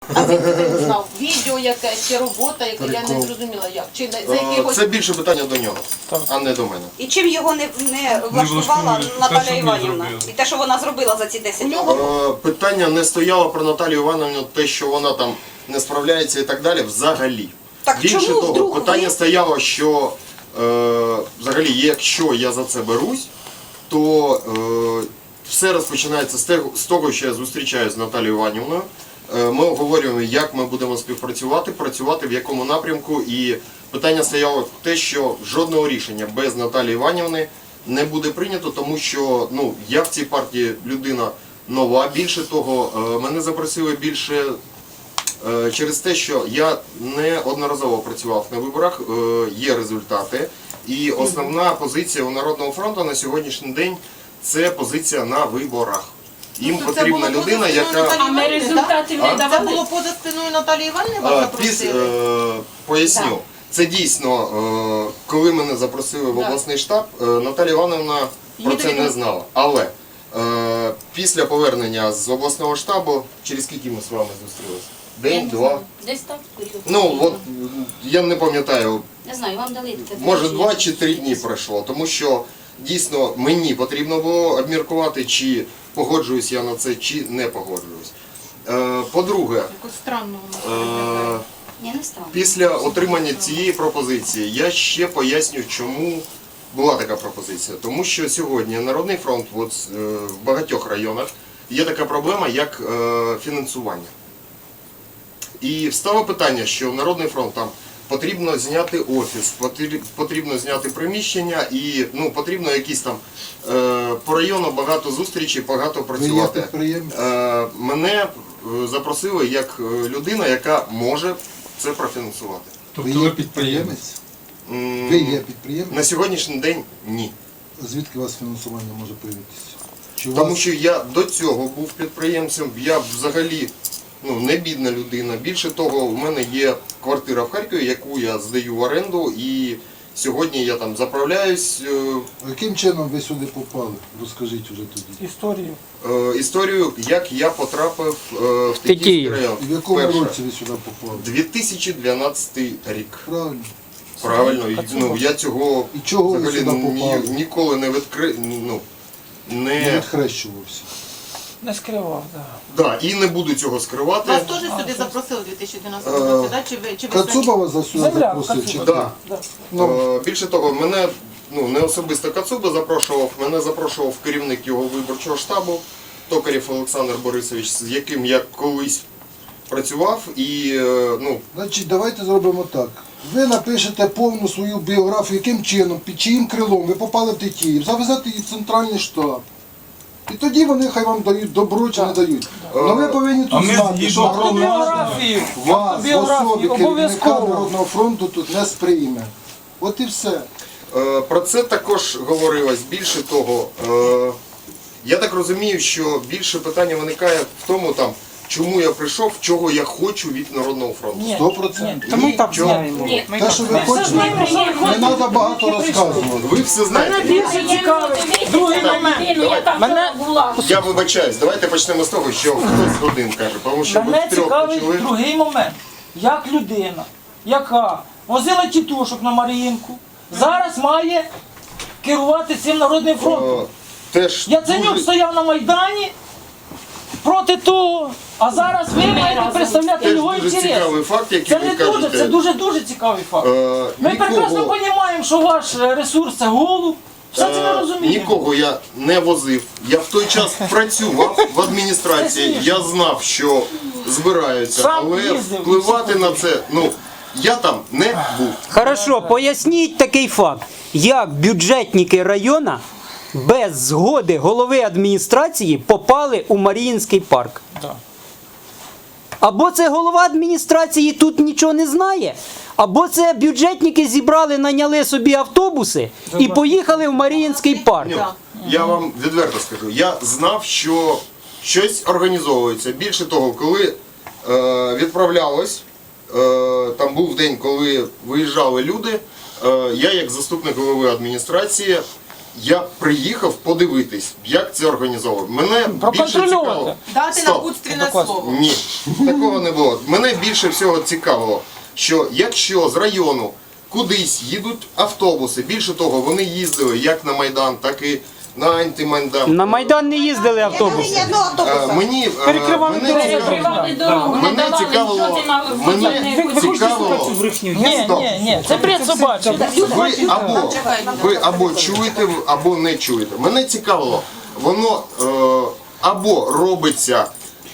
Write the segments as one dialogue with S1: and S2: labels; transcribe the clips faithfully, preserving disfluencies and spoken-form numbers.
S1: А звідки ти знав? Відео якесь, чи робота, яка я не зрозуміла як. Чи за якихось...
S2: Це більше питання до нього, а не до мене.
S3: І чим його не, не влаштувала Наталя Іванівна? І те, що вона зробила за ці десять років?
S2: Е, Питання не стояло про Наталію Іванівну, те, що вона там не справляється і так далі, взагалі.
S3: Так
S2: Більше
S3: чому
S2: того,
S3: вдруг
S2: питання
S3: ви-
S2: стояло, що е, взагалі, якщо я за це берусь, то е, все розпочинається з того, з того, що я зустрічаюся з Наталією Іванівною. Е, Ми обговорюємо, як ми будемо співпрацювати, працювати в якому напрямку. І питання стояло те, що жодного рішення без Наталії Іванівни не буде прийнято, тому що ну, я в цій партії людина нова. Більше того, е, мене запросили більше е, через те, що я неодноразово працював на виборах, е, є результати. І основна позиція у Народного фронту на сьогоднішній день – це позиція на виборах. Їм
S1: Тобто це
S2: потрібна
S1: було
S2: людина,
S1: поза
S2: яка...
S1: спиною
S4: А ми
S1: Наталії
S4: результатів
S2: А?
S4: не
S1: Це
S4: давали.
S1: було поза спиною Наталії Іванівни, вас
S2: А,
S1: запросили?
S2: піс- е, Поясню. Це дійсно, е, коли мене запросили в
S1: Так.
S2: обласний штаб, е, Наталія Івановна про
S1: Її
S2: це не
S1: довідомо-
S2: знала. Але е, після повернення з обласного штабу, через скільки ми з вами зустрілися? День, два?
S4: Десь так. період.
S2: Ну, от я не пам'ятаю,
S4: Не знаю, вам дали таке.
S2: може
S4: доручення.
S2: два чи три дні пройшло, тому що дійсно мені потрібно було обміркувати, чи погоджуюсь я на це, чи не погоджуюсь. Е, По-друге,
S1: Якось странно воно виглядає.
S2: е,
S4: Ні, не стало.
S2: після отримання цієї пропозиції я ще поясню, чому була така пропозиція. Тому що сьогодні Народний фронт от, е, в багатьох районах є така проблема, як е, фінансування. І встало питання, що Народний фронт там потрібно зняти офіс, потріб- потрібно зняти приміщення і ну, потрібно якісь там е, по району багато зустрічей, багато
S5: Ви є
S2: працювати.
S5: підприємець?
S2: Е, Мене е, запросили як е, людина, яка може це профінансувати.
S5: Ви є підприємець?
S2: М,
S5: Ви є підприємець?
S2: На сьогоднішній день ні.
S5: Звідки у вас фінансування може появитися? Чи у
S2: Тому
S5: вас
S2: що я до цього був підприємцем, я взагалі ну, не бідна людина. Більше того, в мене є квартира в Харкові, яку я здаю в оренду, і сьогодні я там заправляюсь. е,
S5: яким чином ви сюди попали? Розкажіть уже тоді.
S6: Історію.
S2: е, Історію, як я потрапив е, в Тетіївський
S6: Тетіїв.
S2: район.
S5: І в якому
S2: Вперше.
S5: році ви сюди попали?
S2: дві тисячі дванадцятий рік.
S5: Правильно.
S2: Правильно, і, ну, я цього
S5: І чого ви
S2: взагалі
S5: сюди
S2: ні,
S5: попали?
S2: ніколи не відкри... ну,
S5: Не
S2: не...
S5: відхрещувався.
S6: Не скривав, так.
S2: Да, і не буду цього скривати.
S1: Вас теж сюди запросили у дві тисячі дванадцятому році, да? Чи ви, чи ви самі?
S5: Кацуба вас сюди
S6: Земля,
S5: запросив? Чи
S6: Кацуба.
S5: хто?
S2: Да.
S5: Ну,
S2: Е, Більше того, мене ну, не особисто Кацуба запрошував, мене запрошував керівник його виборчого штабу, Токарєв Олександр Борисович, з яким я колись працював. І, е, ну,
S5: значить, давайте зробимо так. Ви напишете повну свою біографію, яким чином, під чиїм крилом ви попали в Тетіїв, завезете її в центральний штаб. І тоді вони хай вам дають добро чи не дають. Але ви повинні тут знати, що громада
S6: Біографію.
S5: вас в
S6: Біографію
S5: особі керівника
S6: обов'язково.
S5: Народного фронту тут не сприйме. От і все.
S2: е, про це також говорилось. Більше того, е, я так розумію, що більше питання виникає в тому, там, чому я прийшов, чого я хочу від Народного фронту.
S6: Ні,
S5: Сто процентів.
S6: ні, Та ми і так
S2: Чого?
S6: знаємо.
S4: Ні.
S6: Ми і
S5: Те,
S6: так
S5: що ви
S6: знаємо.
S5: хочете,
S4: знаємо, що ви
S5: не
S4: хочете.
S5: треба багато розказувати.
S2: Ви все знаєте.
S6: Більше цікавий. Другий момент.
S4: Я там
S6: Мене-
S4: була.
S2: Я вибачаюсь, давайте почнемо з того, що хтось один каже, тому що ви
S6: Мене
S2: втрьох
S6: цікавить
S2: почали.
S6: другий момент. Як людина, яка возила тітушок на Маріїнку, зараз має керувати цим Народним фронтом.
S2: Е, Теж
S6: Яценюк
S2: дуже-
S6: стояв на Майдані проти того, а зараз ви маєте представляти
S2: теж
S6: його
S2: дуже
S6: інтерес.
S2: цікавий факт, який
S6: Це
S2: ви
S6: не дуже,
S2: кажете.
S6: це дуже-дуже цікавий факт.
S2: Е,
S6: Ми
S2: нікого-
S6: прекрасно розуміємо, що ваш ресурс це голуб. Все це ми
S2: Е,
S6: розуміємо.
S2: Нікого я не возив. Я в той час працював в адміністрації. Я знав, що збираються,
S6: Сам
S2: але
S6: їздив,
S2: впливати на це, ну я там не був.
S7: Хорошо, поясніть такий факт, як бюджетники району без згоди голови адміністрації попали у Маріїнський парк.
S6: Да.
S7: Або це голова адміністрації тут нічого не знає, або це бюджетники зібрали, наняли собі автобуси і поїхали в Маріїнський парк.
S2: Ні, я вам відверто скажу, я знав, що щось організовується. Більше того, коли е, відправлялось, е, там був день, коли виїжджали люди, е, я як заступник голови адміністрації Я приїхав подивитись, як це організовано. Мене більше
S6: Проконтролювати.
S2: цікаво.
S1: Дати
S2: Стоп.
S1: напутственне
S6: Такое.
S1: слово.
S2: Ні, такого не було. Мене більше всього цікавило, що якщо з району кудись їдуть автобуси, більше того, вони їздили як на Майдан, так і на антимайдан.
S7: На Майдан не їздили
S3: Ні
S7: автобуси.
S3: одного
S2: Е,
S3: автобуса.
S2: Мені, е,
S6: Перекривали
S2: мене
S6: дорогу.
S2: цікавило,
S4: Перекривали дорогу, не
S2: мене
S4: давали
S2: цікавило,
S4: жодної на
S2: мене цікавило,
S6: Ні,
S2: Стоп.
S6: ні, ні, це бред собачий.
S2: ви або, ви або чуєте, або не чуєте. Мене цікавило, воно е, або робиться,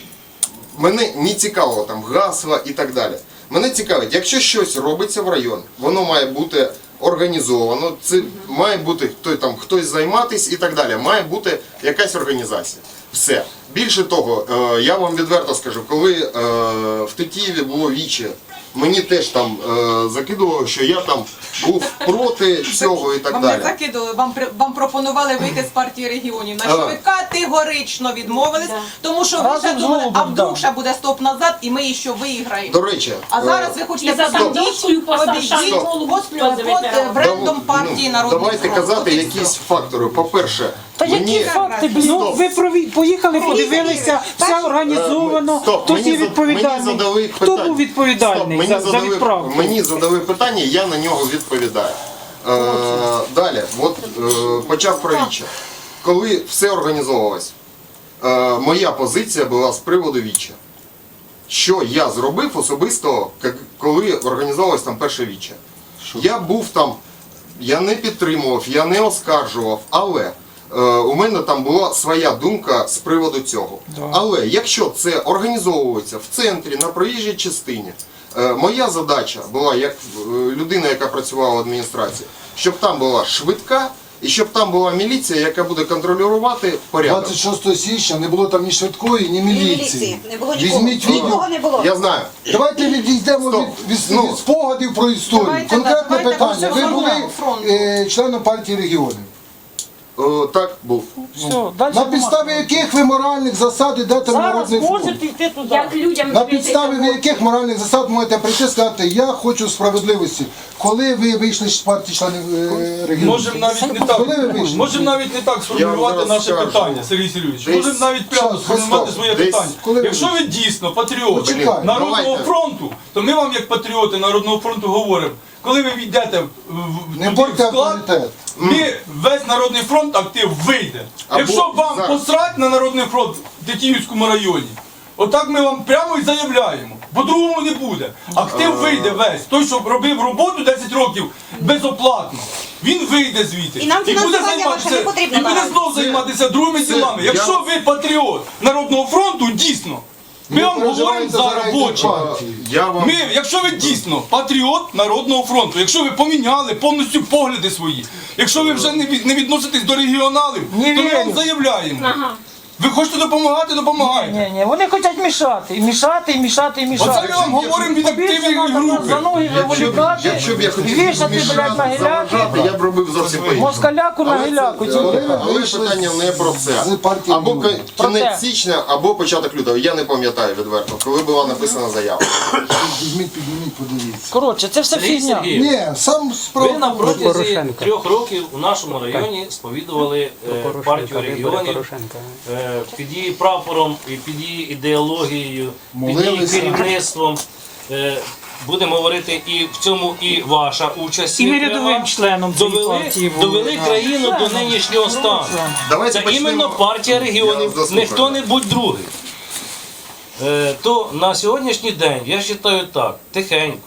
S2: мене не цікавило там гасла і так далі. Мене цікавить, якщо щось робиться в районі, воно має бути організовано, це має бути хто там хтось займатись і так далі. Має бути якась організація. Все. Більше того, е, я вам відверто скажу, коли е, в Тетіїві було віче, мені теж там е, закидувало, що я там був проти цього і так
S1: Вам не
S2: далі.
S1: закидували, вам, при- вам пропонували вийти з партії регіонів, на що
S2: А.
S1: ви категорично відмовились, тому що ви
S6: Разом
S1: ще
S6: з
S1: думали, а
S6: Голубом,
S1: вдруг
S6: да.
S1: ще буде стоп назад і ми ще виграємо.
S2: До речі,
S1: А
S2: е,
S1: зараз ви хочете
S4: І за
S1: посадити,
S4: Сандовською посадшати
S1: обійдіть
S4: голову
S1: під,
S4: сльози
S1: під
S4: витирали.
S1: брендом
S2: дав-
S1: партії
S2: ну,
S1: Народний
S2: давайте
S1: фронт.
S2: казати
S1: От і
S2: якісь
S1: все.
S2: фактори. По-перше,
S6: Та які
S2: мені...
S6: факти, блін?
S2: Стоп.
S8: Ну, ви прові... поїхали, подивилися, все організовано,
S2: Стоп,
S8: хто
S2: мені
S8: є
S2: за-
S8: відповідальний,
S2: мені задали
S8: хто
S2: питання.
S8: був відповідальний
S2: Стоп, мені
S8: за, за
S2: задали,
S8: відправку?
S2: Мені задали питання, я на нього відповідаю. Е, далі, от е, почав про віче. Коли все організовувалось, е, моя позиція була з приводу віче. Що я зробив особисто, як- коли організовувалось там перше віче? Я був там, я не підтримував, я не оскаржував, але е, у мене там була своя думка з приводу цього. Але якщо це організовується в центрі, на проїжджій частині, е, моя задача була, як е, людина, яка працювала в адміністрації, щоб там була швидка і щоб там була міліція, яка буде контролювати порядок.
S5: двадцять шостого січня не було там ні швидкої, ні
S3: Ні
S5: міліції.
S3: міліції, не було нікого.
S5: Візьміть відео.
S3: Нікого не було.
S2: Я знаю.
S5: Давайте відійдемо
S2: Стоп.
S5: від, від,
S2: Ну.
S5: від спогадів про історію.
S1: Давайте,
S5: Конкретне
S1: давайте,
S5: питання.
S1: давайте
S5: Ви були
S1: фронту, фронту.
S5: е, членом партії регіонів.
S2: Е, так, був.
S6: Все, далі
S5: На підставі яких ви моральних засад йдете на
S6: зараз
S5: Народний фронт?
S6: можете йти туди.
S4: Як людям
S5: На
S4: жити
S5: підставі ви яких моральних засад можете прийти і сказати, я хочу справедливості. Коли ви вийшли з партії членів е, регіонів?
S9: Можемо навіть не так,
S5: Коли ви вийшли?
S9: можемо навіть не так сформулювати
S2: зараз
S9: наше
S2: скажу.
S9: питання, Сергій Сергійович.
S2: Десь-
S9: Можемо навіть прямо
S5: Щас,
S9: сформулювати
S5: стоп.
S9: своє
S2: Десь-
S9: питання.
S5: коли ви
S9: Якщо ви
S5: вийшли?
S9: дійсно патріот
S5: Почекайте.
S9: Народного
S2: Давайте.
S9: фронту, то ми вам як патріоти Народного фронту говоримо, коли ви війдете в, в,
S5: Не
S9: туди
S5: будьте
S9: в склад,
S5: авторитет.
S9: ми весь Народний фронт актив вийде.
S2: Або
S9: Якщо вам
S2: зараз.
S9: посрать на Народний фронт в Тетіївському районі, отак ми вам прямо і заявляємо. По-другому не буде. Актив вийде весь. Той, що робив роботу десять років безоплатно, він вийде звідти.
S3: І нам
S9: буде
S3: фінансування ваше не потрібно
S9: і буде
S3: наразі.
S9: знов займатися другими
S2: це-
S9: ділами.
S2: я-
S9: Якщо ви патріот Народного фронту, дійсно, ми
S5: Не
S9: вам говоримо
S5: переживайте за
S9: зараз в очі.
S5: партії.
S2: Я вам...
S9: Ми, якщо ви дійсно патріот Народного фронту, якщо ви поміняли повністю погляди свої, якщо ви вже не, від- не відноситесь до регіоналів,
S6: Не
S9: то ми вам
S6: вірю.
S9: заявляємо.
S4: Ага.
S9: Ви хочете допомагати, допомагайте.
S6: Ні, ні, вони хочуть мішати, і мішати, і мішати, і мішати.
S9: Оце ми вам говоримо від
S6: Побільше
S9: активної
S6: треба нас за
S9: групи.
S6: ноги виволікати,
S2: Якщо б я хотів
S6: вішати, блядь, на
S2: заважати,
S6: гіляки,
S2: я б робив зовсім по-іншому.
S6: москаляку на
S2: Але це-
S6: гіляку.
S2: але-
S6: тільки.
S2: Але
S5: вийшли
S2: питання не про це.
S5: з партії
S2: Або
S5: регіонів.
S6: Про
S2: кінець
S6: те.
S2: січня, або початок лютого. Я не пам'ятаю відверто, коли була написана заява.
S5: Візьміть, підніміть, подивіться.
S6: Коротше, це все
S10: Сергій
S6: фігня.
S10: Сергійович,
S5: Ні, сам
S10: ви
S5: справа.
S10: на протязі
S7: Порошенка.
S10: трьох років у нашому районі сповідували е, партію регіонів е, під її прапором, і під її ідеологією, під її
S5: Молилися.
S10: керівництвом. Е, Будемо говорити, і в цьому і ваша участь.
S8: І ми
S10: є
S8: рядовим
S10: пряма.
S8: членом цієї
S10: довели,
S8: партії були.
S10: довели країну до нинішнього стану.
S2: Давайте
S10: Це
S2: почнемо.
S10: іменно партія
S2: Я
S10: регіонів,
S2: вас
S10: не
S2: заслухаю.
S10: хто-небудь другий. Е, то на сьогоднішній день, я вважаю так, тихенько.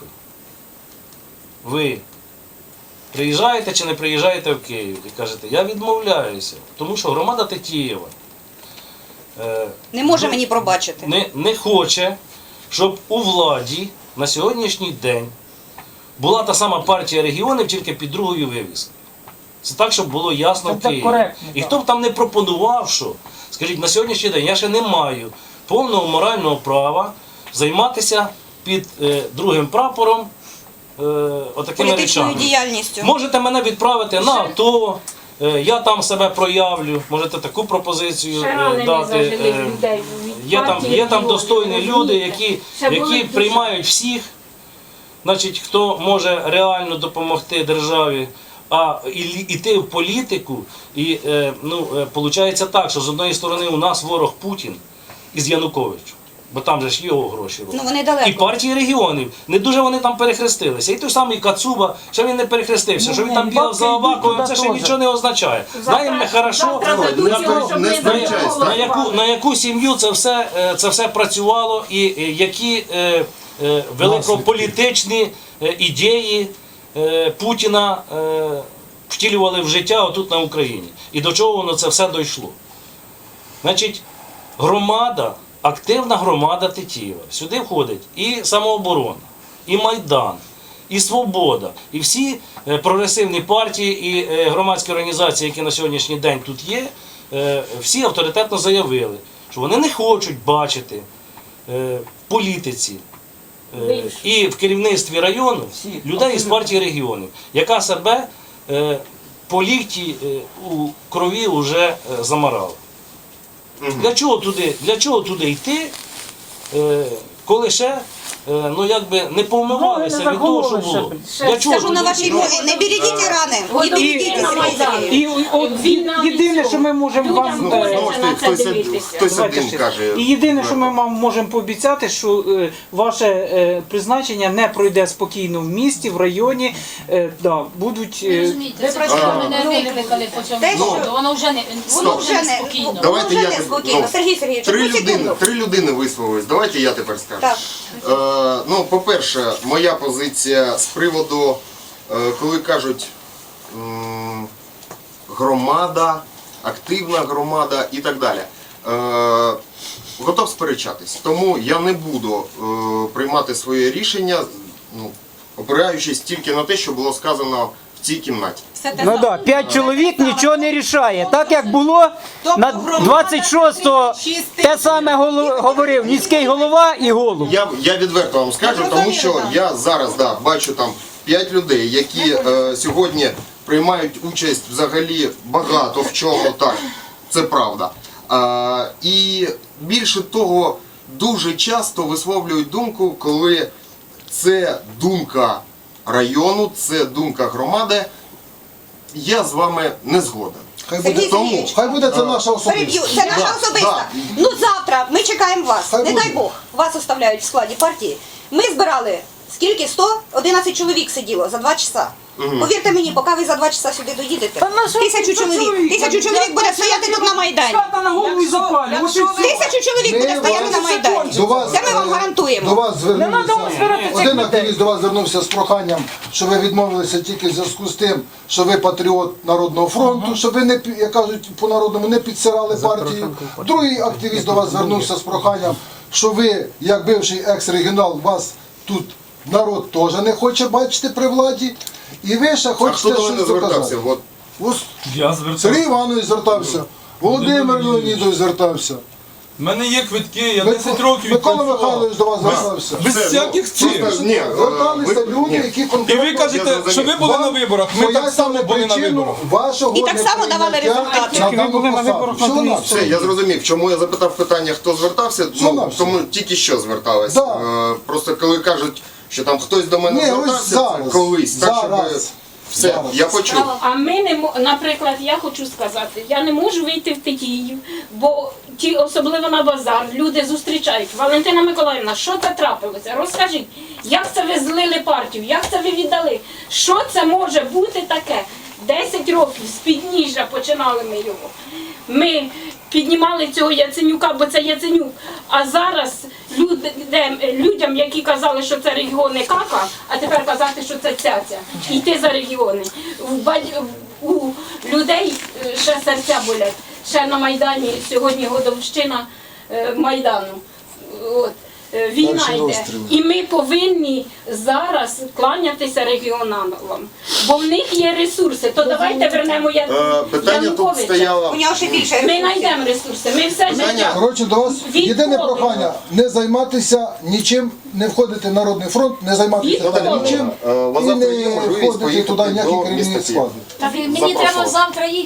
S10: Ви приїжджаєте чи не приїжджаєте в Київ і кажете, я відмовляюся, тому що громада Тетіїва е,
S3: Не може мені пробачити.
S10: не, не хоче, щоб у владі на сьогоднішній день була та сама партія регіонів, тільки під другою вивіскою. Це так, щоб було ясно
S6: Так,
S10: в
S6: так,
S10: Києві.
S6: коректно,
S10: І
S6: так.
S10: хто б там не пропонував, що, скажіть, на сьогоднішній день я ще не маю повного морального права займатися під е, другим прапором е, отакими
S3: Політичною
S10: речами.
S3: діяльністю.
S10: Можете мене відправити на АТО, е, я там себе проявлю, можете таку пропозицію
S4: Ще
S10: е,
S4: ранені
S10: дати.
S4: зажили
S10: е,
S4: людей від
S10: Є там,
S4: партії
S10: є там
S4: регіонів,
S10: достойні люди,
S4: розумієте?
S10: які,
S4: Ще були
S10: які
S4: дуже-
S10: приймають всіх, значить, хто може реально допомогти державі. А і- іти в політику, і е, ну, е, виходить так, що з одної сторони у нас ворог Путін із Януковичем, бо там же ж його гроші роблять.
S3: Ну вони далеко.
S10: І партії регіонів, не дуже вони там перехрестилися. І той самий Кацуба, що він не перехрестився, що він там бігав за Аваковим, це ще нічого не означає. Знаємо ми хорошо,
S2: Не
S10: на,
S2: спереч- не сперечайся.
S10: на, яку, на яку сім'ю це все, е, це все працювало, і е, які е, е, великополітичні е, ідеї е, Путіна е, втілювали в життя отут на Україні. І до чого воно це все дійшло. Значить, громада, активна громада Тетіїва. Сюди входить і самооборона, і Майдан, і Свобода, і всі е, прогресивні партії і е, громадські організації, які на сьогоднішній день тут є, е, всі авторитетно заявили, що вони не хочуть бачити е, в політиці е, і в керівництві району людей із партії регіонів, яка себе е, по лікті е, у крові вже е, замарала. Для чого туди, для чого туди йти, е, коли ще е, ну, якби не повмивалися від того, що було? Для чого
S3: Скажу на
S10: туди
S3: вашій
S10: йти?
S3: мові, не берегіть рани, не берегіть Сергій Сергійович.
S8: І от єдине, що ми можемо вам
S2: Ну,
S8: е,
S2: знову ж таки, хтось, один- хтось
S8: Давайте
S2: один
S8: ще.
S2: каже.
S8: І єдине, що ми вам можемо пообіцяти, що е, ваше е, призначення не пройде спокійно в місті, в районі. Е, да, будуть е,
S1: Ви просто мене викликали по цьому
S3: Те, що-
S1: поводу, воно вже не,
S3: Воно
S1: воно
S3: вже
S1: вже
S3: не
S1: не спокійно.
S3: воно
S2: Давайте
S3: вже
S2: я
S3: не
S2: тепер-
S3: спокійно.
S2: ну,
S3: Сергій Сергійович,
S2: Три
S3: одну
S2: людини,
S3: секунду.
S2: три людини висловились. Давайте я тепер скажу.
S3: Так.
S2: Е, ну, по-перше, моя позиція з приводу, е, коли кажуть м, громада, активна громада і так далі. Е, готов сперечатись. Тому я не буду е, приймати своє рішення, ну, опираючись тільки на те, що було сказано в цій кімнаті.
S7: Ну так, п'ять чоловік нічого не рішає. Так як було на двадцять шостого те саме голо- говорив міський голова і голуб.
S2: Я, я відверто вам скажу, тому що я зараз да, бачу там п'ять людей, які е, сьогодні приймають участь взагалі багато в чому, так, це правда. Е, і більше того, дуже часто висловлюють думку, коли це думка району, це думка громади, я з вами не згоден.
S5: Хай
S3: Сергій
S5: буде,
S2: Тому-
S3: Сергійович,
S5: хай буде це наша
S3: переб'ю,
S5: особиста.
S3: це наша
S2: Да,
S3: особиста.
S2: да.
S3: Ну завтра ми чекаємо вас.
S5: Хай
S3: Не
S5: буде.
S3: дай Бог, вас оставляють в складі партії. Ми збирали скільки? сто одинадцять чоловік сиділо за два часа. Повірте мені, поки ви за два часа сюди доїдете,
S6: Та на що
S3: тисячу
S6: це
S3: чоловік,
S6: чоловік?
S3: тисячу чоловік буде стояти тут на Майдані.
S6: Хата на голову і запалює. Ось і все.
S3: Тисячу чоловік
S5: Ми
S3: буде стояти
S5: вас-
S3: на Майдані.
S5: До вас,
S3: Це ми вам
S5: е, До
S3: гарантуємо.
S5: вас
S6: Не треба
S5: звернувся.
S6: збирати цих
S5: Один
S6: людей.
S5: активіст до вас звернувся з проханням, що ви відмовилися тільки в зв'язку з тим, що ви патріот Народного фронту, що ви не пі- як кажуть по народному не підсирали партію. Другий активіст до вас звернувся з проханням, що ви, як бивший екс-регіонал, вас тут народ теж не хоче бачити при владі. І ви ще
S2: А хто
S5: хочете
S2: до мене
S5: щось
S2: звертався?
S5: доказати.
S2: От,
S5: Ось
S9: Я звертався.
S5: Сергій Іванович звертався, Володимир Леонідович звертався.
S9: У мене є квитки, я
S5: Мик-
S9: десять років
S5: Микола
S9: відпрацював.
S5: Михайлович до вас звертався.
S9: Без
S2: Все,
S9: всяких
S2: ну,
S9: цих.
S2: просто, ні, е,
S5: Зверталися
S2: ви-
S5: люди,
S2: ні.
S5: які
S9: І
S5: конкретно...
S9: ви кажете,
S2: Я
S9: що ви були
S5: Вам
S9: на виборах, ми так само
S5: пояснили
S9: були на
S5: причину
S9: виборах.
S5: вашого
S3: І так само давали
S5: неприйняття
S3: результати.
S5: на
S8: Ви
S5: дану
S8: були на
S5: посаду.
S8: виборах на
S5: Всього
S8: другій
S5: на
S2: Все, я зрозумів, чому я запитав питання, хто звертався,
S5: Що
S2: ну,
S5: нам все?
S2: тому тільки що звертались.
S5: Да.
S2: Е, просто коли кажуть, що там хтось до мене
S5: Ні, ось
S2: звертався,
S5: зараз.
S2: це колись, так щоб
S5: Зараз.
S2: все,
S5: Зараз.
S2: я почув.
S4: А ми не мо- наприклад, я хочу сказати, я не можу вийти в Тетіїв, бо ті, особливо на базар, люди зустрічають. Валентина Миколаївна, що це трапилося? Розкажіть, як це ви злили партію, як це ви віддали? Що це може бути таке? Десять років з підніжжя починали ми його. Ми піднімали цього Яценюка, бо це Яценюк. А зараз люди, де- людям, які казали, що це регіони кака, а тепер казати, що це цяця. Йти за регіони. В бадь- У людей е, ще серця болять. Ще на Майдані сьогодні годовщина е, Майдану. От. Е, Війна
S5: Перший
S3: йде.
S5: розстріл.
S3: І ми повинні зараз кланятися регіоналам, бо в них є ресурси. То давайте вернемо Я-
S2: Е, питання тут
S3: Януковича.
S2: стояло.
S3: У нього ще більше
S4: Ми
S3: ресурсів.
S4: знайдемо ресурси. Ми все
S2: Питання-
S4: життя.
S5: Коротше, до вас
S4: Відходимо.
S5: єдине прохання не займатися нічим, не входити в Народний фронт, не займатися
S4: Відходимо.
S5: нічим
S2: Е, у вас
S5: і
S2: завтра
S5: не
S2: є можливість
S5: входити
S2: поїхати
S5: туди ніякі
S2: до
S5: керівні
S2: міста
S5: склади.
S1: Та ви- мені
S2: Запрошував.
S1: треба завтра їхати.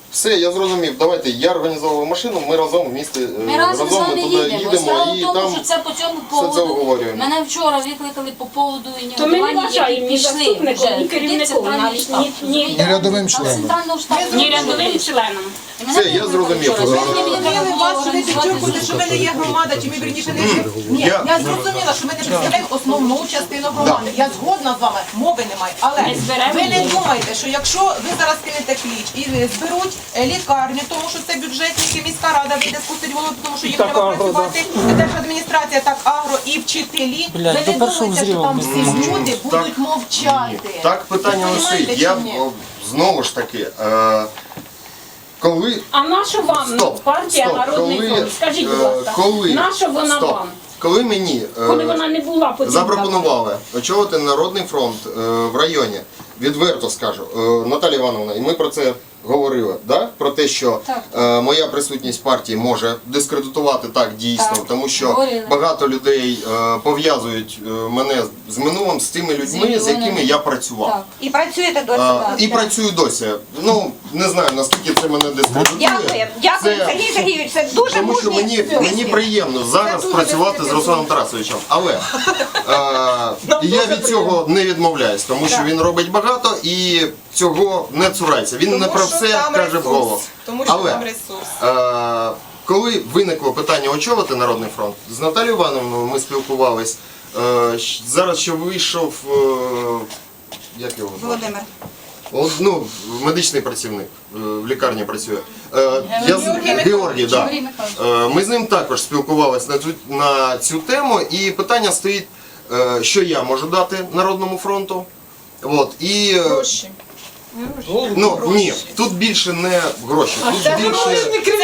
S2: Все, я зрозумів. Давайте, я організовував машину, ми разом в місті е,
S11: Ми разом з
S2: ми
S11: вами
S2: туди
S11: їдемо.
S2: їдемо
S11: Справа
S2: і
S11: в тому,
S2: там
S11: що це по цьому
S2: все це
S11: поводу.
S2: обговорюємо.
S11: Мене вчора викликали по поводу
S4: То ми не
S11: інвентування, які
S4: вважаємо ні
S11: пішли
S4: заступником,
S11: вже.
S4: ні керівником,
S11: Туди
S4: навіть
S11: центральний
S4: ні, ні,
S11: штаб.
S5: Ні рядовим
S11: Там
S5: членом.
S11: центрального штабу.
S4: ні рядовим членом.
S2: Все, я зрозумів.
S1: Зрозуміли вас, що ви підчеркуєте, що ми не є громада, чи ми вірніше не є. Ні,
S2: Я-
S1: я зрозуміла, що ми не представляємо основну частину громади. Я згодна з вами, мови немає. Але
S4: Ми зберемо
S1: ви не
S4: її.
S1: думайте, що якщо ви зараз кинете кліч і зберуть е, лікарню, тому що це бюджетники, міська рада вийде спустить голову, тому що їм
S8: Так,
S1: треба
S8: агро,
S1: працювати, держадміністрація, так агро і вчителі.
S8: Блядь,
S1: Ви
S8: до
S1: не
S8: першого
S1: думайте, що
S8: взрыву
S1: там
S8: не
S1: всі
S8: зможу.
S1: люди
S2: Так.
S1: будуть мовчати.
S2: Так питання
S1: Ви
S2: не стоїть.
S1: розумієте
S2: Я
S1: чи ні?
S2: о, знову ж таки, е, коли
S4: А наша вам
S2: Стоп,
S4: партія
S2: стоп,
S4: Народний
S2: коли,
S4: фронт? Скажіть, будь
S2: е,
S4: ласка,
S2: коли,
S4: наша вона
S2: стоп,
S4: вам?
S2: коли мені е,
S4: Коли вона не була потрібна?
S2: запропонували очолити Народний фронт е, в районі, відверто скажу, е, Наталія Івановна, і ми про це говорили, да? Про те, що е, моя присутність в партії може дискредитувати так дійсно,
S11: Так.
S2: тому що
S11: Говорили.
S2: багато людей е, пов'язують е, мене з минулим, з тими людьми, з
S11: мільйонами.
S2: якими я працював.
S11: Так.
S3: І працюєте досі.
S2: А,
S3: так.
S2: і працюю досі. Ну, не знаю, наскільки це мене дискредитує.
S3: Дякую, дякую,
S2: Це-
S3: Сергій Сергійович, це дуже
S2: Тому що
S3: мужній
S2: мені,
S3: вислів.
S2: мені приємно зараз
S1: дуже
S2: працювати з
S1: дискредитує.
S2: Русланом Тарасовичем. Але е, і я від цього не відмовляюсь, тому що він робить багато і цього не цурається. Він не про все каже вголос.
S1: Тому
S2: Але
S1: там ресурс.
S2: е, коли виникло питання очолити Народний фронт, з Наталією Івановною ми спілкувались. Е, щ- зараз ще вийшов, е, як його звати?
S3: Володимир.
S2: От, ну, медичний працівник е, в лікарні працює. Е, я з-
S1: Георгій
S2: Георгій, да.
S11: Георгій Михайлович.
S2: Е, Ми з ним також спілкувалися на цю, на цю тему, і питання стоїть, е, що я можу дати Народному фронту. От, і, е,
S1: Гроші.
S2: ну, ні, тут більше не гроші, тут більше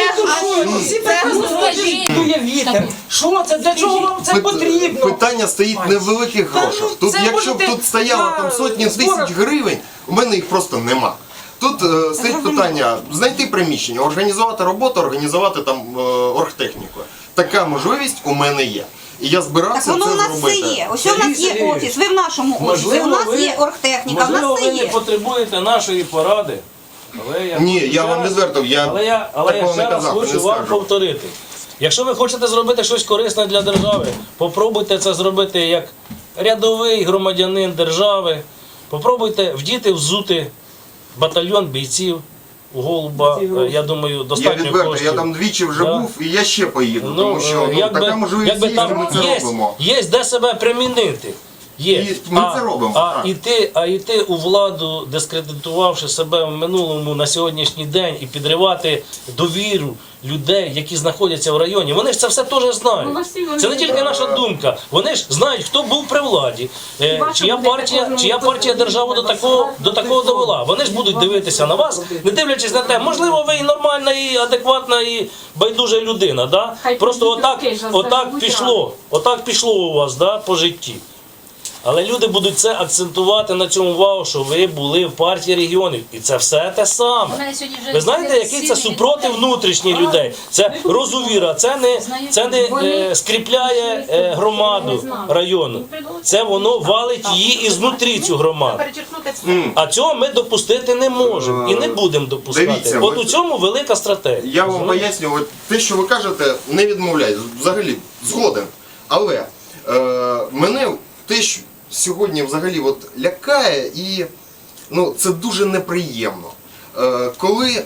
S6: Дує вітер. Що це? Для чого вам це
S2: пит-
S6: потрібно?
S2: питання стоїть не в великих
S6: Та ну,
S2: грошах. Тут,
S6: це
S2: якщо б
S6: можете
S2: тут стояло
S6: на
S2: там сотні
S6: зборах-
S2: тисяч гривень, у мене їх просто нема. Тут е, стоїть питання знайти приміщення, організувати роботу, організувати там е, оргтехніку. Така можливість у мене є. І я
S3: Так
S2: збирався
S3: воно
S2: це
S3: у нас все
S2: зробити.
S3: є. Ось у нас
S10: Сергій
S3: є
S10: Сергійович,
S3: офіс, ви в нашому офісі,
S10: можливо,
S3: у нас
S10: ви-
S3: є оргтехніка, в
S10: Можливо,
S3: нас все
S10: ви не
S3: є.
S10: потребуєте нашої поради. Але я
S2: Ні,
S10: хочу
S2: я
S10: ще
S2: вам
S10: раз-
S2: відверто, я
S10: але я, але я
S2: такого
S10: ще
S2: не
S10: раз
S2: казав,
S10: хочу
S2: не
S10: вам
S2: скажу.
S10: повторити. Якщо ви хочете зробити щось корисне для держави, попробуйте це зробити як рядовий громадянин держави. Попробуйте вдіти, взути батальйон бійців у Голуба. Е, Я думаю,
S2: Я
S10: достатньо
S2: відверто,
S10: коштів.
S2: я там двічі вже
S10: Да.
S2: був і я ще поїду,
S10: Ну,
S2: тому що ну,
S10: якби,
S2: така можливість
S10: якби
S2: є,
S10: там
S2: ми це
S10: є,
S2: робимо.
S10: є де себе примінити. Є.
S2: І ми
S10: а,
S2: це робимо,
S10: А
S2: так.
S10: іти, а йти у владу, дискредитувавши себе в минулому на сьогоднішній день і підривати довіру людей, які знаходяться в районі, вони ж це все теж
S4: Ну,
S10: знають.
S4: всі вони
S10: Це не тільки
S4: знають.
S10: наша думка. Вони ж знають, хто був при владі, е,
S4: Ваша
S10: чия
S4: буде
S10: партія,
S4: кожному
S10: чия партія державу до такого, до такого довела. Вони ж будуть дивитися на вас, не дивлячись на те, можливо, ви і нормальна, і адекватна, і байдужа людина. Да?
S4: Хай
S10: Просто
S4: прийдуть
S10: отак,
S4: руки, що
S10: отак
S4: заживуть
S10: пішло. Отак пішло у вас, да, по житті. Але люди будуть це акцентувати на цьому увагу, що ви були в партії регіонів. І це все те саме.
S11: Мене сьогодні вже
S10: Ви знаєте, який це супротив внутрішніх людей? Це розувіра, це не, це не е, скріпляє е, громаду району. Це воно валить її ізнутрі, цю громаду.
S1: Перечеркнути все.
S10: А цього ми допустити не можемо і не будемо допускати.
S2: Дивіться,
S10: От
S2: ви-
S10: у цьому велика стратегія.
S2: Я вам поясню, от те, що ви кажете, не відмовляю. Взагалі, згоден. Але е, мене те, що сьогодні взагалі от лякає, і ну, це дуже неприємно. Е, коли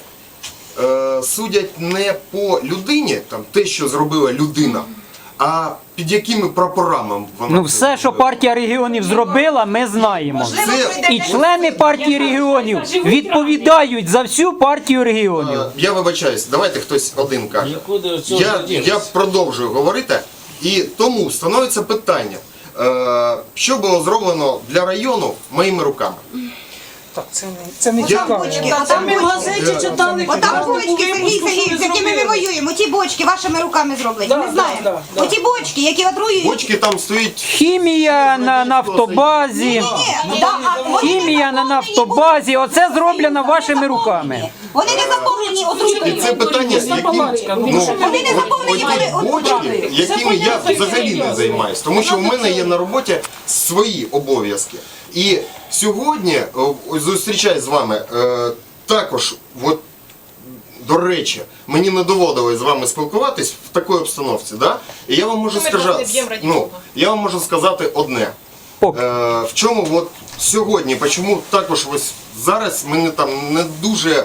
S2: е, судять не по людині, там, те, що зробила людина, а під якими прапорами вона
S7: Ну
S2: це
S7: все, що
S2: зробила.
S7: партія регіонів зробила, ми знаємо.
S1: Можливо,
S2: Це-
S1: пройде
S7: І
S1: десять
S7: члени партії регіонів відповідають за всю партію регіонів.
S2: Е, Я вибачаюсь, давайте хтось один каже.
S10: Нікуди від цього
S2: Я,
S10: не дінеться.
S2: я продовжую говорити, і тому становиться питання, е, що було зроблено для району моїми руками.
S8: Так, це не, це не
S2: Я-
S8: цікаво.
S3: Бочки, отам
S6: Ми в
S3: бочки.
S6: газеті читали,
S3: Отам
S6: кожному
S3: бочки, Сергій
S6: випуску, що
S3: Сергійович, з
S6: ви
S3: якими ми
S6: зробили.
S3: воюємо. Ті бочки вашими руками зроблені,
S6: Да,
S3: ми
S6: да,
S3: знаємо.
S6: да, да.
S3: Оті бочки, які отруюють.
S2: Бочки там стоїть.
S7: Хімія на нафтобазі.
S3: Ні, да, а вони не
S7: Хімія на
S3: заповнені
S7: нафтобазі.
S3: будуть.
S7: Оце зроблено
S3: Вони
S7: вашими
S3: не
S7: руками.
S3: заповнені. Вони не заповнені
S2: І
S3: отрутою.
S2: це питання, яким, ну,
S3: Вони не заповнені були
S2: бочки,
S3: отрутою.
S2: якими я взагалі не займаюсь, тому що у мене є на роботі свої обов'язки. І сьогодні, о, ось зустрічаюсь з вами, е, також от, до речі, мені не доводилось з вами спілкуватись в такій обстановці, да? І я вам можу
S1: Ми
S2: сказати,
S1: просто не б'ємо раді
S2: ну,
S1: Бога.
S2: я вам можу сказати одне.
S7: Ок.
S2: Е, в чому от сьогодні, чому також ось зараз мене там не дуже,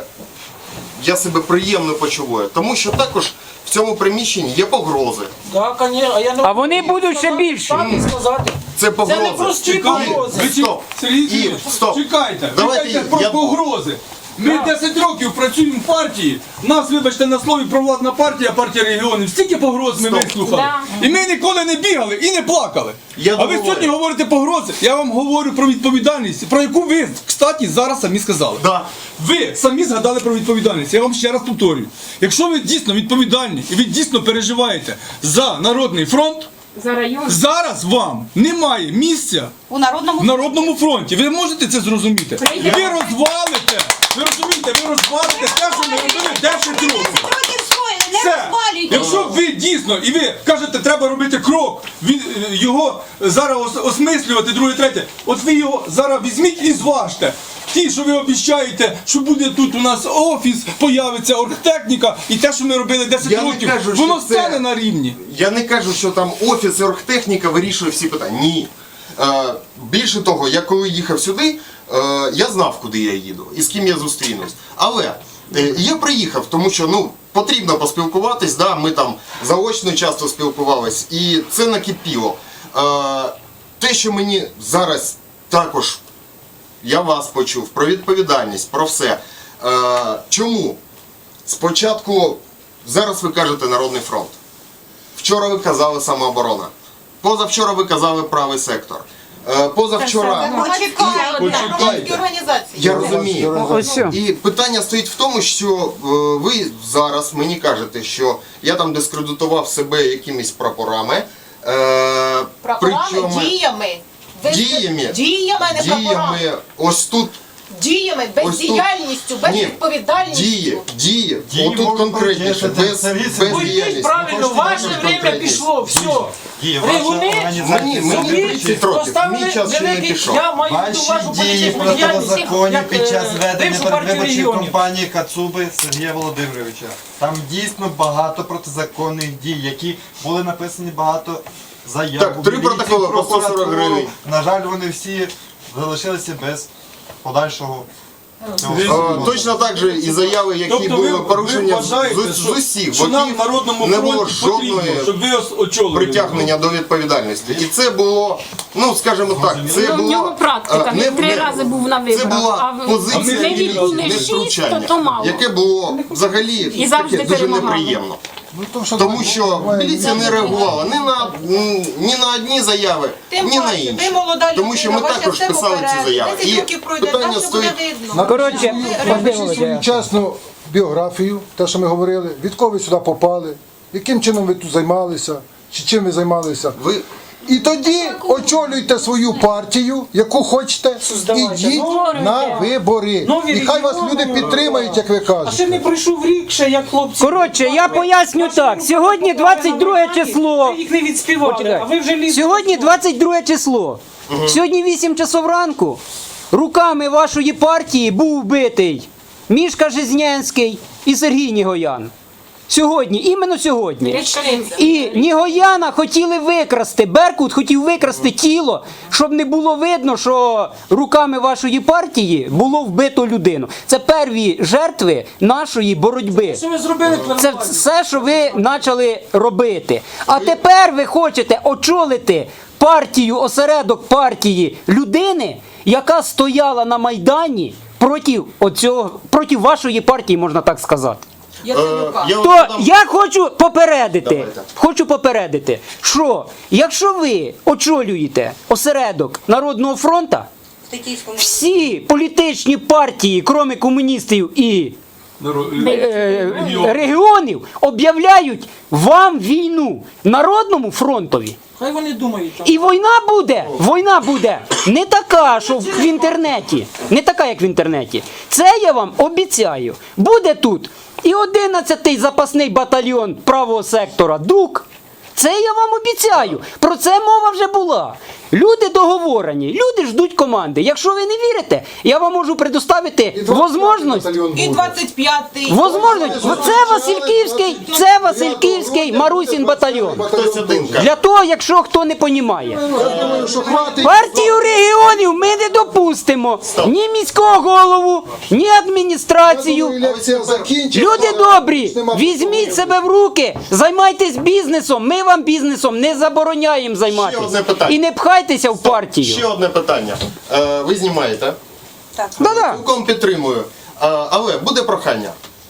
S2: я себе приємно почуваю, тому що також в цьому приміщенні є погрози.
S6: Так, конечно, а я не
S7: А вони будуть ще більші.
S6: Так і сказати.
S2: Це погрози.
S6: Це не прості
S9: Чекайте,
S6: погрози.
S9: ви чек-
S2: Стоп.
S9: Сергій
S2: І,
S9: Сергійович,
S2: стоп.
S9: чекайте,
S2: Давайте
S9: чекайте про
S2: я-
S9: погрози. Ми десять років працюємо в партії, нас, вибачте, на слові провладна партія, партія регіонів, стільки погроз ми
S2: Стоп.
S9: вислухали. І ми ніколи не бігали і не плакали.
S2: Я
S9: а ви
S2: договорю.
S9: сьогодні говорите погрози. Я вам говорю про відповідальність, про яку ви, кстати, зараз самі сказали.
S2: Да.
S9: Ви самі згадали про відповідальність. Я вам ще раз повторюю. Якщо ви дійсно відповідальні і ви дійсно переживаєте за Народний фронт,
S4: За район.
S9: зараз вам немає місця
S3: У народному
S9: в Народному фронті. Ви можете це зрозуміти?
S4: Прийде.
S9: Ви розвалите, ви розумієте, ви розвалите те, що ми робили десять років.
S3: Років скоїли, не
S9: Все.
S3: розвалюйте.
S9: Якщо ви дійсно, і ви кажете, треба робити крок, він, е, його зараз ос- осмислювати, друге, третє, от ви його зараз візьміть і зважте. Ті, що ви обіцяєте, що буде тут у нас офіс, появиться оргтехніка, і те, що ми робили десять
S2: Я не
S9: років,
S2: кажу, що
S9: воно
S2: це-
S9: стане на рівні.
S2: Я не кажу, що там офіс і оргтехніка вирішує всі питання. Ні. Е, більше того, я коли їхав сюди, е, я знав, куди я їду і з ким я зустрінусь. Але е, я приїхав, тому що ну, потрібно поспілкуватись, да, ми там заочно часто спілкувались, і це накипіло. Е, те, що мені зараз також, я вас почув, про відповідальність, про все. Е, чому? Спочатку, зараз ви кажете Народний фронт. Вчора ви казали самооборона. Позавчора ви казали правий сектор. Е, Позавчора.
S1: Почекайте. Громадські організації.
S2: Я розумію.
S7: Ось що.
S2: І питання стоїть в тому, що е, ви зараз мені кажете, що я там дискредитував себе якимись прапорами. Е,
S1: Прапорами, діями. Ви-
S2: Діями.
S1: Діями, а не прапорами.
S2: діями, ось тут.
S1: Діями,
S2: Ось тут-
S1: бездіяльністю, безвідповідальністю.
S2: Дії, дії,
S12: Дії
S2: отут
S12: можуть
S2: конкретніше,
S12: бути,
S2: без,
S12: це
S2: без
S12: вісім.
S6: Уйдіть
S2: діяльності.
S6: правильно,
S12: Хочете
S6: ваше
S2: також
S6: время
S2: конкретність?
S6: пішло, все.
S12: Дії,
S6: Ригуни
S12: ваша організація.
S2: Мені- мені
S6: собі
S2: тридцять років,
S6: поставили
S2: мій час ще не
S6: великий-
S2: пішов.
S6: Я маю в виду
S12: Ваші
S6: вашу
S12: дії
S6: політичну діяльність,
S12: протизаконні
S6: як,
S12: під час
S6: е,
S12: ведення
S6: бившу партію
S12: передвиборчої
S6: регіонів.
S12: кампанії Кацуби Сергія Володимировича. Там дійсно багато протизаконних дій, які були написані багато заяв.
S2: Так,
S12: у
S2: три
S12: міліцію,
S2: протоколи по сто сорок
S12: прокуратуру.
S2: гривень.
S12: На жаль, вони всі залишилися без подальшого. цього
S9: Ви-
S12: всього.
S2: Е, Точно так же і заяви, які
S9: Тобто
S2: були
S9: ви,
S2: порушення
S9: ви
S2: з,
S9: вважаєте,
S2: з, з
S9: що,
S2: усіх
S9: що нам в
S2: боків,
S9: Народному
S2: не було
S9: фронті
S2: жодної
S9: потрібно, щоб ви ос- очолили.
S2: притягнення до відповідальності. І це було, ну скажімо так, це
S4: Ну, в
S2: було
S4: нього практика,
S2: е,
S4: він три рази був на
S2: Це
S4: виборах,
S2: була
S4: а в-
S2: позиція
S4: ми
S2: міліції,
S4: відбули
S2: не
S4: шість,
S2: втручання,
S4: то мало.
S2: яке було взагалі
S4: І завжди
S2: таке дуже
S4: перемагали.
S2: неприємно.
S5: Ну, то, що
S2: Тому що міліція не реагувала ні на, ні на одні заяви,
S1: Тим
S2: ні на
S1: паче,
S2: інші.
S1: ви молода людина,
S2: Тому що ми
S1: ваше
S2: також
S1: все
S2: писали ці
S1: попереду.
S2: заяви.
S1: десять
S2: І
S1: років пройде,
S2: питання
S1: так що
S2: стоїть.
S1: буде видно.
S7: Коротше,
S5: Напишіть свою чесну біографію, те, що ми говорили, від кого ви сюди попали, яким чином ви тут займалися, чи чим ви займалися.
S2: Ви
S5: І тоді очолюйте свою партію, яку хочете,
S6: Создавайте
S5: ідіть
S6: нові
S5: на вибори.
S6: Нові
S5: І хай вас
S6: регіони.
S5: люди підтримають, як ви
S6: А ще
S5: кажете.
S6: не пройшов рік, ще як хлопці.
S7: Коротше, я поясню так. Сьогодні двадцять друге число.
S6: Ви їх не відспівали,
S7: Почекай.
S6: а ви вже лізете.
S7: Сьогодні двадцять друге число. Сьогодні вісім часов ранку. Руками вашої партії був вбитий Мішка Жизнянський і Сергій Нігоян. Сьогодні, іменно сьогодні. І Нігояна хотіли викрасти, Беркут хотів викрасти тіло, щоб не було видно, що руками вашої партії було вбито людину. Це перві жертви нашої боротьби.
S6: Що ви зробили?
S7: Це все, що ви почали робити. А тепер ви хочете очолити партію, осередок партії людини, яка стояла на Майдані проти, оцього, проти вашої партії, можна так сказати.
S1: Яценюка.
S2: Е, я вам
S7: То
S2: додам-
S7: я хочу попередити,
S2: Давайте.
S7: хочу попередити, що якщо ви очолюєте осередок Народного фронту,
S3: Тетійському.
S7: всі політичні партії, крім комуністів і е, регіонів, об'являють вам війну Народному фронтові.
S6: Хай вони думають. там.
S7: І війна буде, війна буде не така, що в інтернеті, не така, як в інтернеті. Це я вам обіцяю. Буде тут і одинадцятий запасний батальйон правого сектора ДУК. Це я вам обіцяю. Про це мова вже була. Люди договорені, люди ждуть команди. Якщо ви не вірите, я вам можу предоставити можливість.
S1: І двадцять п'ятий.
S7: Возможно, це Васильківський, це Васильківський Марусін батальйон.
S2: Хтось один каже.
S7: Для того, якщо хто не розуміє.
S5: Я думаю, що хватить.
S7: Партію регіонів ми не допустимо. Ні міського голову, ні адміністрацію.
S5: Лекція закінчиться.
S7: Люди добрі, візьміть себе в руки, займайтесь бізнесом. Ми вам бізнесом не забороняємо
S2: Ще одне
S7: займатися.
S2: питання.
S7: І не пхайтеся в партію.
S2: Ще одне питання. Е, ви знімаєте?
S3: Так.
S7: Да-да.
S2: Цілком підтримую. Е, але буде прохання.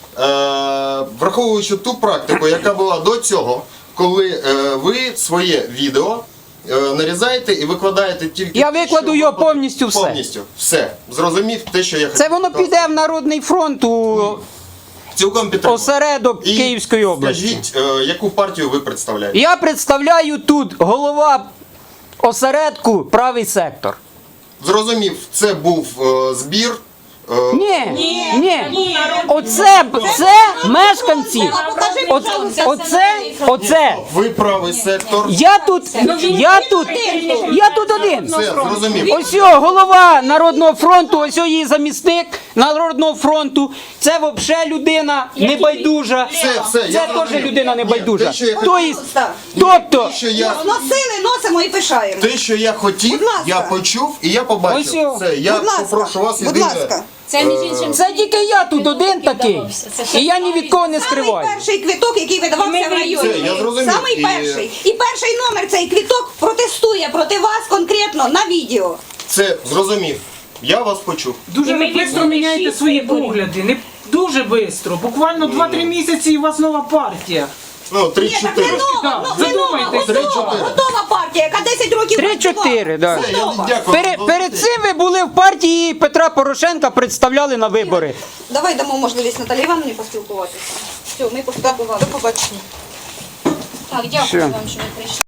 S2: Е, враховуючи ту практику, яка була до цього, коли е, ви своє відео е, нарізаєте і викладаєте тільки...
S7: Я
S2: те,
S7: викладу
S2: що
S7: його
S2: вам
S7: повністю все.
S2: Повністю. Все. Зрозумів те, що я хотів.
S7: Це воно піде в Народний фронт у
S2: Цілком підтримую.
S7: осередок
S2: І
S7: Київської області.
S2: Скажіть, е, яку партію ви представляєте?
S7: Я представляю тут голова осередку правий сектор.
S2: Зрозумів, це був е, збір. е,
S7: Ні, ні, оце, це мешканці. О- Оце, оце.
S2: Ви правий сектор.
S7: Я тут, я тут, я тут один.
S2: Все, зрозумів.
S7: Ось його голова Народного фронту, ось його її замісник Народного фронту. Це взагалі людина небайдужа.
S2: Все, все, я
S7: Це теж
S2: зрозумів.
S7: людина
S2: Ні,
S7: небайдужа.
S2: те, що я
S7: Тобто,
S3: Так.
S7: тобто,
S2: Те, що я,
S3: Носили, носимо і пишаємо.
S2: те, що я хотів,
S3: Будь ласка.
S2: я почув і я
S7: Ось
S2: побачив.
S7: його.
S2: Все, я
S3: Будь ласка,
S2: попрошу вас
S3: будь
S2: єдине.
S3: ласка.
S11: Це між іншим.
S7: це тільки я тут один такий. І я ні від кого не
S3: Самий
S7: скриваю.
S3: перший квиток, який видавався в районі.
S2: Це, я зрозумів.
S3: Самий
S2: І-
S3: перший. І перший номер цей квиток протестує проти вас конкретно на відео.
S2: Це зрозумів. Я вас почув.
S8: Дуже
S4: І ми
S8: швидко
S4: відсунули
S8: міняєте
S4: шість
S8: свої
S4: виборів.
S8: погляди. Не дуже швидко. Буквально два-три місяці і у вас нова партія.
S2: Ну,
S3: Ні, так не
S2: три-чотири.
S3: нова,
S8: Так,
S3: ну, не нова,
S8: задумайтесь.
S3: готова, готова партія, яка десять років
S7: Три-чотири,
S3: працювала.
S7: да.
S2: Все, я
S3: Готова.
S2: дякую.
S7: Перед, перед цим ви були в партії Петра Порошенка, представляли на вибори.
S3: Давай дамо можливість Наталі Івановні поспілкуватися. Все, ми поспілкувалися. До побачення.
S11: Так, дякую
S7: Все.
S11: вам, що ви прийшли.